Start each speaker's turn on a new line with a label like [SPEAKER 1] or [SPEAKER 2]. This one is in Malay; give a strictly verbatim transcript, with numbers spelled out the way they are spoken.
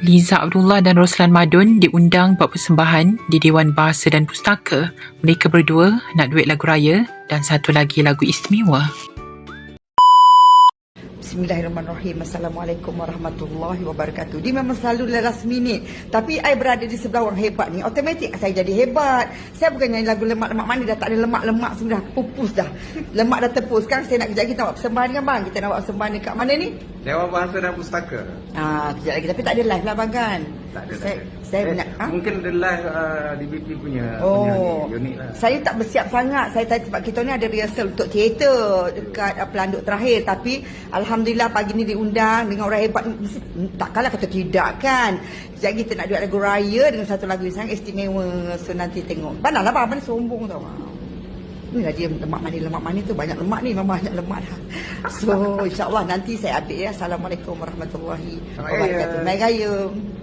[SPEAKER 1] Liza Abdullah dan Roslan Madun diundang buat persembahan di Dewan Bahasa dan Pustaka. Mereka berdua nak duet lagu raya dan satu lagi lagu istimewa.
[SPEAKER 2] Bismillahirrahmanirrahim. Assalamualaikum warahmatullahi wabarakatuh. Dia memang selalu last minute. Tapi I berada di sebelah orang hebat ni, automatik saya jadi hebat. Saya bukan nyanyi lagu lemak-lemak mana, dah tak ada lemak-lemak semua, dah pupus dah. Lemak dah tepus. Sekarang saya nak kejap kita buat persembahan kan bang? Kita nak buat persembahan dekat mana ni?
[SPEAKER 3] Dewan Bahasa dan Pustaka.
[SPEAKER 2] Ah, kejap lagi. Tapi tak ada live lah bang kan?
[SPEAKER 3] Tak ada.
[SPEAKER 2] Saya,
[SPEAKER 3] tak ada.
[SPEAKER 2] saya
[SPEAKER 3] eh,
[SPEAKER 2] nak, ha?
[SPEAKER 3] Mungkin ada live uh, D B P punya,
[SPEAKER 2] Oh,
[SPEAKER 3] punya unit lah.
[SPEAKER 2] Saya tak bersiap sangat. Saya tadi sebab kita ni ada rehearsal untuk teater dekat uh, pelanduk terakhir. Tapi Alhamdulillah pagi ni diundang dengan orang hebat. Mesti, takkanlah kata tidak kan. Jadi kita nak duet lagu raya dengan satu lagu yang sangat istimewa. So nanti tengok. Banyak lah bang, mana sombong tau. Inilah dia lemak manis, lemak manis tu banyak lemak ni, memang banyak lemak dah. So insyaAllah nanti saya update ya. Assalamualaikum warahmatullahi wabarakatuh. Baik raya.